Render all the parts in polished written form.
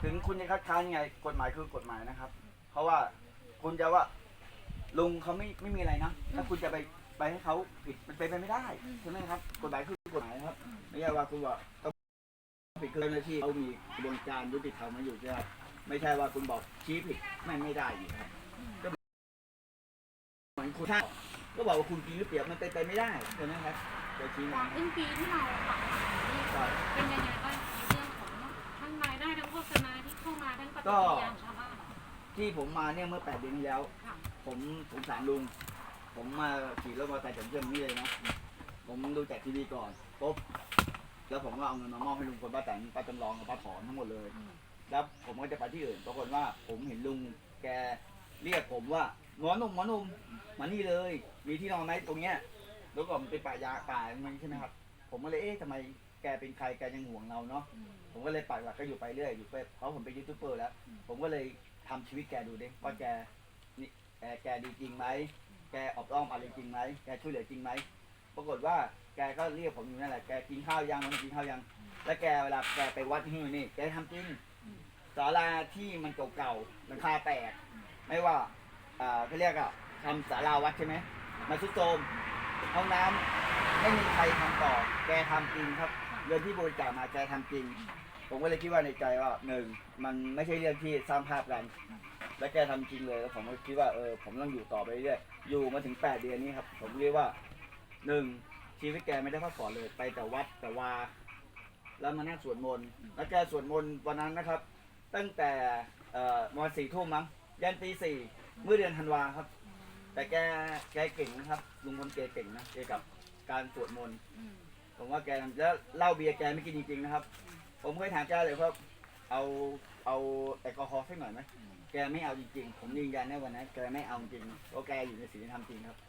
ถึงคุณจะคัดค้านยังไงกฎหมายคือกฎหมายนะครับ เพราะว่าคุณจะว่าลุงเขาไม่มีอะไรนะถ้าคุณจะไปให้เขาผิดมันเป็นไปไม่ได้ใช่ไหมครับกฎหมายคือกฎหมายครับไม่ใช่ว่าคุณว่าต้องผิดคือเจ้าหน้าที่เขามีกระบวนการยุติธรรมมาอยู่ใช่ไหมครับไม่ใช่ว่าคุณบอกชี้ผิดไม่ได้อยู่ครับก็เหมือนคุณก็บอกว่าคุณกินหรือเปล่ามันเป็นไปไม่ได้ใช่ไหมครับโดยชี้ก่อนครึ่งปีที่เราปรับนี่เป็นยังไงบ้างในเรื่องของทั้งรายได้ทั้งโฆษณาที่เข้ามาทั้งปฏิกิริยาชาวบ้านที่ผมมาเนี่ยเมื่อ8 เดือนที่แล้วผมสงสารลุงผมมาขี่รถมอเตอร์ไซค์จากเพื่อนนี่เลยนะผมดูจากทีวีก่อนปุ๊บแล้วผมก็เอาเงินมามอบให้ลุงคนป้าแตนป้าจำลองกับป้าถอนทั้งหมดเลยแล้วผมก็จะไปที่อื่นปรากฏว่าผมเห็นลุงแกเรียกผมว่าหมอหนุ่มมานี่เลยมีที่นอนไหมตรงเนี้ยแล้วก็มันเป็นป่ามันใช่ไหมครับผมก็เลยทำไมแกเป็นใครแกยังห่วงเราเนาะผมก็เลยปักหลักก็อยู่ไปเรื่อยอยู่ไปเพราะผมเป็นยูทูบเบอร์แล้วผมก็เลยทำชีวิตแกดูดิว่าแกดีจริงไหมแกออกอ้อมอะไรจริงไหมแกช่วยเหลือจริงไหมปรากฏว่าแกก็เรียกผมอยู่นั่นแหละแกกินข้าวยังมันกินข้าวยังแล้วแกเวลาแกไปวัดที่นี่แกทำจริงศาลาที่มันเก่าๆหลังคาแตกไม่ว่าเขาเรียกอะทำศาลาวัดใช่ไหมมาซุดโทรมห้องน้ำไม่มีใครทำต่อแกทำจริงครับเงินที่บริจาคมาแกทำจริงผมก็เลยคิดว่าในใจว่าหนึ่งมันไม่ใช่เรื่องที่สร้างภาพกันและแกทำจริงเลยแล้วผมก็คิดว่าผมต้องอยู่ต่อไปเรื่อยอยู่มาถึง8 เดือนนี้ครับผมเรียกว่าหนึ่งชีวิตแกไม่ได้พักผ่อนเลยไปแต่วัดแต่วาแล้วมานั่งสวดมนต์แล้วแกสวดมนต์วันนั้นนะครับตั้งแต่วัน4 ทุ่มมั้งยันตี 4เมื่อเดือนธันวาครับแต่แกเก่งนะครับลุงพลแกเก่งนะเกี่ยวกับการสวดมนต์ผมว่าแกแล้วเหล้าเบียร์แกไม่กินจริงๆนะครับผมเคยถามแกเลยว่าเอาแอลกอฮอล์สักหน่อยไหมแกไม่เอาจริงๆผมยืนยันในวันนั้นแกไม่เอาจริงเพราะแกอยู่ในศีลธรรมจริงครับ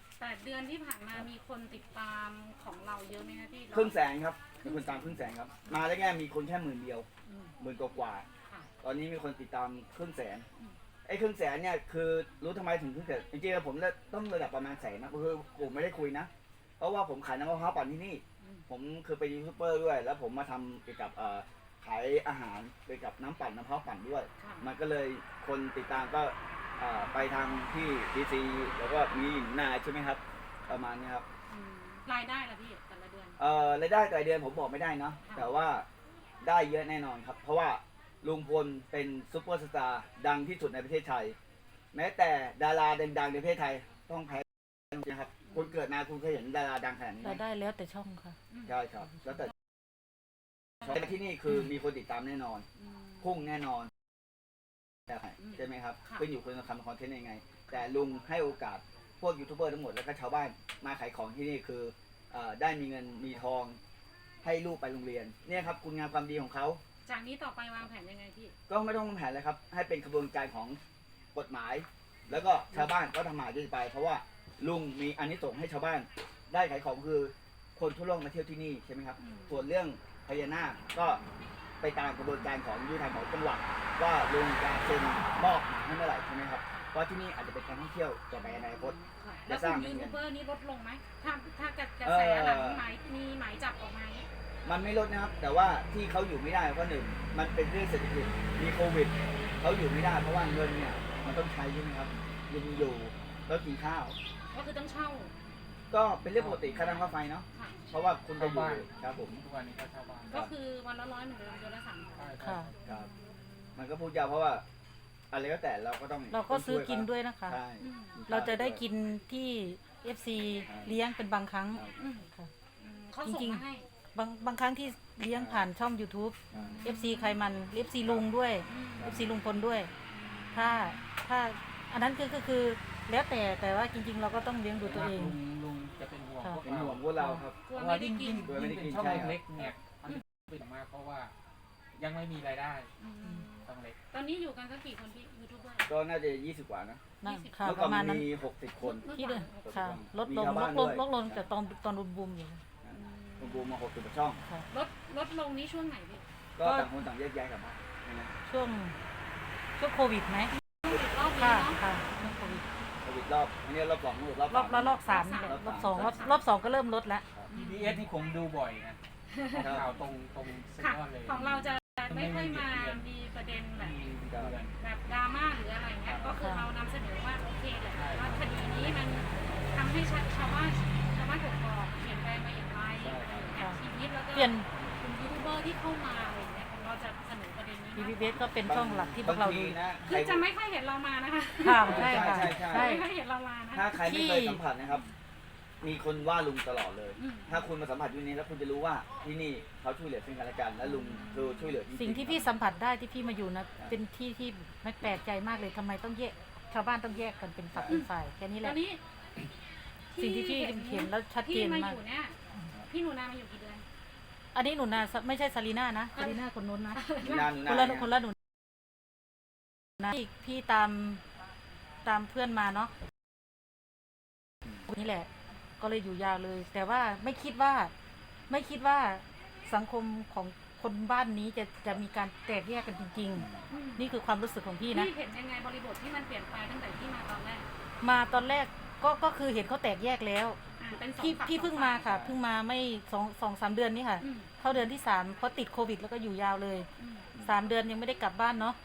8 เดือนที่ผ่านมามีคนติดตามของเราเยอะไหมคะที่ 100,000ครับมีคนตาม100,000ครับมาแล้วแค่มีคนแค่10,000 เดียว10,000 กว่าตอนนี้มีคนติดตาม100,000ไอ้100,000เนี่ยคือรู้ทำไมถึง100,000จริงๆผมต้องระดับประมาณ100,000นะคือผมไม่ได้คุยนะเพราะว่าผมขายน้ำมะพร้าวปั่นที่นี่ผมคือเป็นยูทูบเบอร์ด้วยแล้วผมมาทำเกี่ยวกับขายอาหารเกี่ยวกับน้ำปั่นมะพร้าวปั่นด้วยมันก็เลยคนติดตามก็ไปทางที่ดีซีแล้วก็มีนาใช่ไหมครับประมาณนี้ครับรายได้ล่ะพี่แต่ละเดือนรายได้แต่ละเดือนผมบอกไม่ได้นะแต่ว่าได้เยอะแน่นอนครับเพราะว่าลุงพลเป็นซุปเปอร์สตาร์ดังที่สุดในประเทศไทยแม้แต่ดาราดังๆในประเทศไทยต้องแพ้นะครับคุณเกิดมาคุณเคยเห็นดาราดังขนาดนี้ได้แล้วแต่ช่องค่ะใช่ครับแล้วแต่ที่นี่คือมีคนติดตามแน่นอนพุ่งแน่นอนใช่ไหมครับขึ้นอยู่คุณจะทำคอนเทนต์ยังไงแต่ลุงให้โอกาสพวกยูทูบเบอร์ทั้งหมดแล้วก็ชาวบ้านมาขายของที่นี่คือได้มีเงินมีทองให้ลูกไปโรงเรียนเนี่ยครับคุณงามความดีของเขาจากนี้ต่อไปวางแผนยังไงพี่ก็ไม่ต้องวางแผนเลยครับให้เป็นกระบวนการของกฎหมายแล้วก็ชาวบ้านก็ทำหมาดีไปเพราะว่าลุงมีอานิสงส์ให้ชาวบ้านได้ขายของคือคนทั่วโลกมาเที่ยวที่นี่ใช่ไหมครับส่วนเรื่องพญานาคก็ไปตามกระบวนการของยุติธรรมของจังหวัดว่าลุงจะเซ็นมอบหมายให้เมื่อไหร่ใช่ไหมครับเพราะที่นี่อาจจะเป็นการท่องเที่ยวต่อไปในอนาคตแล้วกลุ่มยูทูบเบอร์นี้ลดลงไหมถ้ากระแสหลังมีหมายจับออกมามันไม่ลดนะครับแต่ว่าที่เขาอยู่ไม่ได้เพราะหนึ่งมันเป็นเรื่องเศรษฐกิจมีโควิดเขาอยู่ไม่ได้เพราะว่าเงินเนี่ยมันต้องใช้ใช่ไหมครับลุงอยู่แล้วกินข้าวก็คือต้องเช่าก็เป็นเรื่องปกติค่าน้ำค่าไฟเนาะเพราะว่าคุณไปอยู่ครับผมทุกวันนี้ก็เช่าบ้านก็คือวันละ100เหมือนเดิมเดือนละ300 ค่ะครับมันก็พูดยาวเพราะว่าอะไรก็แต่เราก็ต้องเราก็ซื้อกินด้วยนะคะเราจะได้กินที่ FC เลี้ยงเป็นบางครั้งค่ะจริงๆบางครั้งที่เลี้ยงผ่านช่อง YouTube FC ใครมัน FC ลุงด้วย FC ลุงพลด้วยถ้าอันนั้นก็คือแล้วแต่ว่าจริงๆเราก็ต้องเลี้ยงดูตัวเองลุงจะเป็นห่วงพวกเราครับเพราะว่ายิ่งเป็นช่องเล็กเนี่ยเป็นมากเพราะว่ายังไม่มีรายได้ช่องเล็กตอนนี้อยู่กันสักกี่คนพี่ยูทูบเบอร์ก็น่าจะ20 กว่านะค่ะประมาณนั้นมี60 คนที่เดิมค่ะลดลงจากตอนบูมอยู่บูมมา60 ช่องลดลงนี้ช่วงไหนพี่ก็ต่างคนต่างแยกย้ายกันมาช่วงโควิดไหมรอบค่ะช่วงโควิดรอบอันนี้รอบ2 รอบ3นี่แหละรอบ2ก็เริ่มลดแล้ว PBS ที่ผมดูบ่อยนะข่าวตรงสุดยอดเลยของเราจะไม่ค่อยมามีประเด็นแบบก็แบบดราม่าหรืออะไรเงี้ยก็คือเรานำเสนอว่าโอเคแหละว่าคดีนี้มันทำให้ชาวบ้านกกอกเปลี่ยนแปลงไปอย่างไรชีวิตแล้วก็เปลี่ยนคุณยูทูบเบอร์ที่เข้ามาอะไรเงี้ยเราจะเสนอประเด็นนี้ BBS ก็เป็นช่องหลักที่พวกเราดูนะคือจะไม่ค่อยเห็นเรามานะคะค่ะใช่ค่ะใช่ไม่ค่อยเห็นเรามานะถ้าใครไม่เคยสัมผัสนะครับ มีคนว่าลุงตลอดเลยอืมถ้าคุณมาสัมผัสที่นี่แล้วคุณจะรู้ว่าที่นี่เขาช่วยเหลือซึ่งกันและกัน และลุงคือช่วยเหลือจริงๆสิ่งที่พี่สัมผัสได้ที่พี่มาอยู่นะเป็นที่ที่ไม่แปลกใจมากเลยทำไมต้องแยกชาวบ้านต้องแยกกันเป็นฝักเป็นฝ่ายแค่นี้แหตอละนนี้สิ่งที่พี่เห็นแล้วชัดเจนที่มามาอก ยู่เนี่ยพี่หนูนามาอยู่กี่เดือนอันนี้หนูนาไม่ใช่ซารีน่านะซารีน่าคนนู้นนะนานคนละคนละหนูนะพี่ตามเพื่อนมาเนาะนี่แหละ ก็เลยอยู่ยาวเลย แต่ว่าไม่คิดว่าสังคมของคนบ้านนี้จะมีการแตกแยกกันจริง ๆ นี่คือความรู้สึกของพี่นะพี่เห็นยังไงบริบทที่มันเปลี่ยนไปตั้งแต่ที่มาตอนแรกมาตอนแรกก็คือเห็นเขาแตกแยกแล้วเป็นสองพี่ฝั่พี่เพิ่งมาค่ะเพิ่งมาไม่สามเดือนนี้ค่ะอืมเข้าเดือนที่3เพราะติดโควิดแล้วก็อยู่ยาวเลยอืม 3 เดือนยังไม่ได้กลับบ้านเนาะ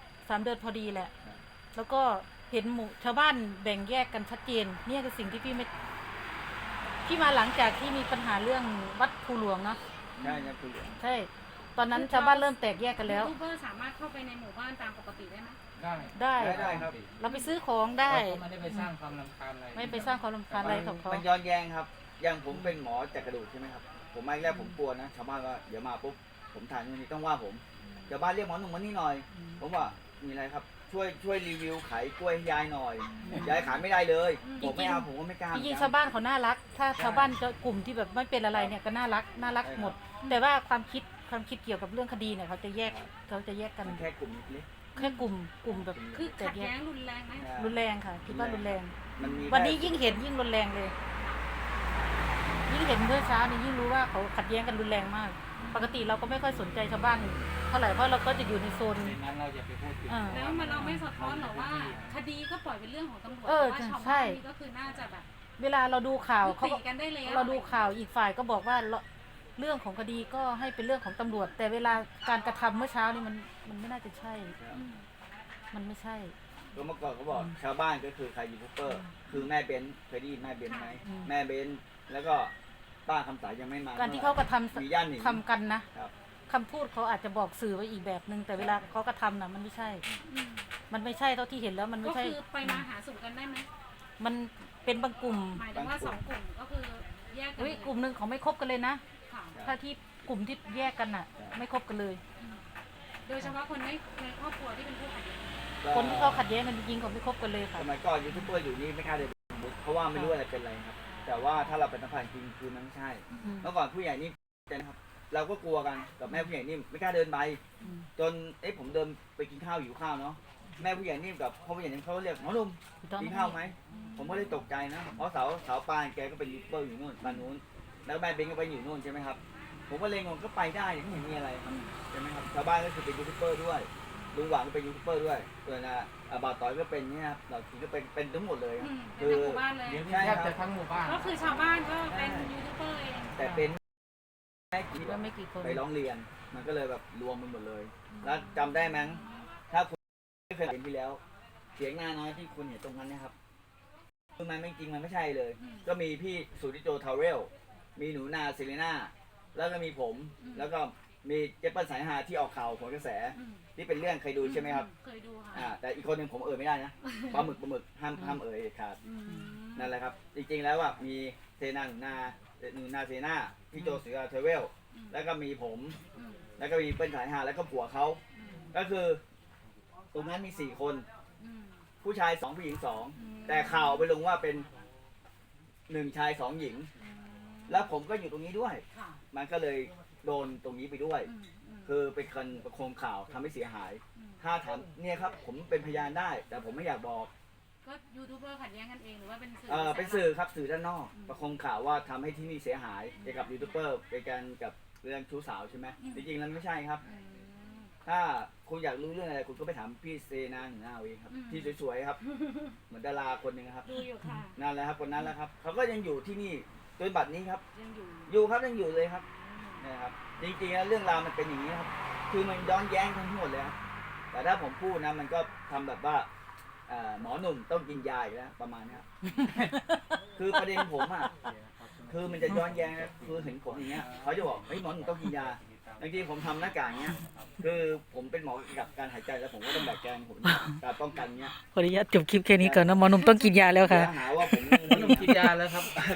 3 เดือนพอดีแหละ แล้วก็เห็นหมู่ชาวบ้านแบ่งแยกกันชัดเจนเนี่ยคือสิ่งที่พี่มาหลังจากที่มีปัญหาเรื่องวัดภูหลวงเนาะใช่ครับคุณเหลือใช่ตอนนั้นชาวบ้านเริ่มแตกแยกกันแล้วยูทูบเบอร์สามารถเข้าไปในหมู่บ้านตามปกติได้ไหมได้ได้ได้ครับเราไปซื้อของได้เราก็ไม่ได้ไปสร้างความรำคาญอะไรไม่ไปสร้างความรำคาญอะไรของเขามันย้อนแย้งครับ อย่างผมเป็นหมอจักกระดูกใช่ไหมครับ ผมมาแรกผมกลัวนะ ชาวบ้านว่าเดี๋ยวมาปุ๊บ ผมถ่ายนู่นนี่ต้องว่าผมชาวบ้านเรียกหมอหนุ่มมานี่หน่อย ผมว่ามีอะไรครับ ช่วยรีวิวขายกล้วยให้ยายหน่อย ยายขายไม่ได้เลย ผมไม่เอาผมก็ไม่กล้าจริงๆชาวบ้านเขาน่ารัก ถ้าชาวบ้านจะกลุ่มที่แบบไม่เป็นอะไรเนี่ยก็น่ารักหมด แต่ว่าความคิดเกี่ยวกับเรื่องคดีเนี่ยเขาจะแยกกันมันแค่กลุ่มเล็กแค่กลุ่มแบบคือแตขักดแยแย้กงรุนแรงไหมๆรุนแรงค่ะคิดว่ารุนแรงมันมีวันนี้ยิ่งเห็นยิ่งรุนแรงเลย ยิ่งเห็นเมื่อเช้านี่ยิ่งรู้ว่าเขาขัดแย้งกันรุนแรงมาก ปกติเราก็ไม่ค่อยสนใจชาวบ้านเท่าไหร่เพราะเราก็จะอยู่ในโซนในนั้นเราอย่าไปพูดถึงแล้วมันเราไม่สะท้อนหรอว่า คดีก็ปล่อยเป็นเรื่องของตำรวจเออว่าชาวใช่บ้านนี่ก็คือน่าจะแบบเวลาเราดูข่าวยุเขาติกันได้แล้วเราดูข่าวอีกฝ่ายก็บอกว่าเรื่องของคดีก็ให้เป็นเรื่องของตำรวจ แต่เวลาการกระทำเมื่อเช้านี่มันไม่น่าจะใช่อืมมันไม่ใช่ก็เมื่อก่อนเขาบอกชาวบ้านก็คือใครยูทูบเบอร์ คือแม่เบนเคยได้ยินแม่เบนไหมอืมแม่เบนแล้วก็ป้าคำสายยังไม่มาการที่เขากระทมีย่านหนิงำทำกันนะครับ คำพูดเขาอาจจะบอกสื่อไว้อีกแบบนึงแต่เวลาเขากระทำนะมันไม่ใช่อืมมันไม่ใช่เท่าที่เห็นแล้วมันก็ไม่ใช่คือไปมาหาสู่กันได้ไหมมันเป็นบางกลุ่มหมายถึงว่าสองกลุ่มก็คือแยกกันเฮ้ยกลุ่มหนึ่งเขาไม่คบกันเลยนะค่ะถ้าที่กลุ่มที่แยกกันน่ะ ไม่คบกันเลยโดยเฉพาะคนในครอบครัวที่เป็นผู้ขัดแย้งคนที่เขาขัดแย้งกันจริงๆเขาไม่คบกันเลยค่ะสมัยก่อนยูทูบเบอร์อยู่นี่ไม่กล้าเดินไปเพราะว่าไม่รู้อะไรเป็นอะไรครับ แต่ว่าถ้าเราเป็นนักผ่านจริงคือมันไม่ใช่อืมเมื่อก่อนผู้ใหญ่นี่นะครับ เราก็กลัวกันกับแม่ผู้ใหญ่นี่ไม่กล้าเดินไปอืมจนผมเดินไปกินข้าวหิวข้าวเนาะแม่ผู้ใหญ่นี่กับพ่อผู้ใหญ่นี่เขาเรียกหมอหนุ่มกินข้าวไหมผมก็เลยตกใจนะเพราะสาวปานแกก็เป็นยูทูบเบอร์อยู่นู่นบ้านนู้นแล้วแม่เบนก็ไปอยู่นู่นใช่ไหมครับผมก็เลยงงก็ไปได้ไม่เห็นมีอะไรครับใช่ไหมครับชาวบ้านก็คือเป็นยูทูบเบอร์ด้วยลุงหวังก็เป็นยูทูบเบอร์ด้วยส่วนบ่าวต่อยก็เป็นเนี่ยครับเราคือก็เป็นทั้งหมดเลยครับเป็นทั้งหมู่บ้านเลยเดี๋ยวนี้แทบจะทั้งหมู่บ้านก็คือชาวบ้านก็เป็นยูทูบเบอร์เองแต่เป็นแค่กี่ก็ไม่กี่คนไปร้องเรียน มันก็เลยแบบรวมมันหมดเลย แล้วจำได้มั้งถ้าคุณไม่เคยเห็นที่แล้ว เสียงหน้าน้อยที่คุณเห็นตรงนั้นนะครับคือมันไม่จริงมันไม่ใช่เลย ก็มีพี่สุริโจทาวเรลมีหนูนาเซเลน่าแล้วก็มีผม แล้วก็มีเจเปิลสายฮาที่ออกข่าวผลกระแส ที่เป็นเรื่องเคยดูใช่ไหมครับเคยดูค่ะแต่อีกคนหนึ่งผมไม่ได้นะปลาหมึกห้ามเอ่ยเด็ดขาด นั่นแหละครับ จริงๆแล้วว่ามีเซนาหนูนาเซนาพี่โจเสือเทเวล แล้วก็มีผม แล้วก็มีเปิ้ลสายฮาแล้วก็ผัวเขา ก็คือตรงนั้นมี4 คน ผู้ชาย2ผู้หญิง2แต่ข่าวไปลงว่าเป็น1 ชาย 2 หญิง แล้วผมก็อยู่ตรงนี้ด้วย มันก็เลยโดนตรงนี้ไปด้วย คือเป็นคนประโคมข่าวทำให้เสียหาย ถ้าถามเนี่ยครับผมเป็นพยานได้ แต่ผมไม่อยากบอกก็ยูทูบเบอร์ขัดแย้งกันเองหรือว่าเป็นสื่อเป็นสื่อครับสื่อด้านนอก ประโคมข่าวว่าทำให้ที่นี่เสียหายเกี่ยวกับยูทูบเบอร์ในการกับเรื่องชู้สาวใช่ไหมจริงๆแล้วไม่ใช่ครับ ถ้าคุณอยากรู้เรื่องอะไรคุณก็ไปถามพี่เซนาหนูนาเอาเองครับที่สวยๆครับ เหมือนดาราคนหนึ่งครับดูอยู่ค่ะนั่นแหละครับคนนั้นแหละครับเขาก็ยังอยู่ที่นี่จนบัดนี้ครับยังอยู่อยู่ครับยังอยู่เลยครับนะครับจริงๆแล้วเรื่องราวมันเป็นอย่างนี้ครับคือมันย้อนแย้งทั้งหมดเลยครับแต่ถ้าผมพูดนะมันก็ทำแบบว่าหมอหนุ่มต้องกินยาอีกแล้วประมาณเนี้ย คือประเด็นผมอ่ะคือมันจะย้อนแย้งนะคือเห็นผมอย่างเงี้ยเขาจะบอกเฮ้ยหมอหนุ่มต้องกินยาบางทีผมทำหน้ากากเงี้ยคือผมเป็นหมอกับการหายใจแล้วผมก็ต้องแบกแกงผมการป้องกันเงี้ยขออนุญาตจบคลิปแค่นี้ก่อนนะหมอหนุ่มต้องกินยาแล้วค่ะเดี๋ยวหาว่าผมหนุ่มกินยาแล้วครับ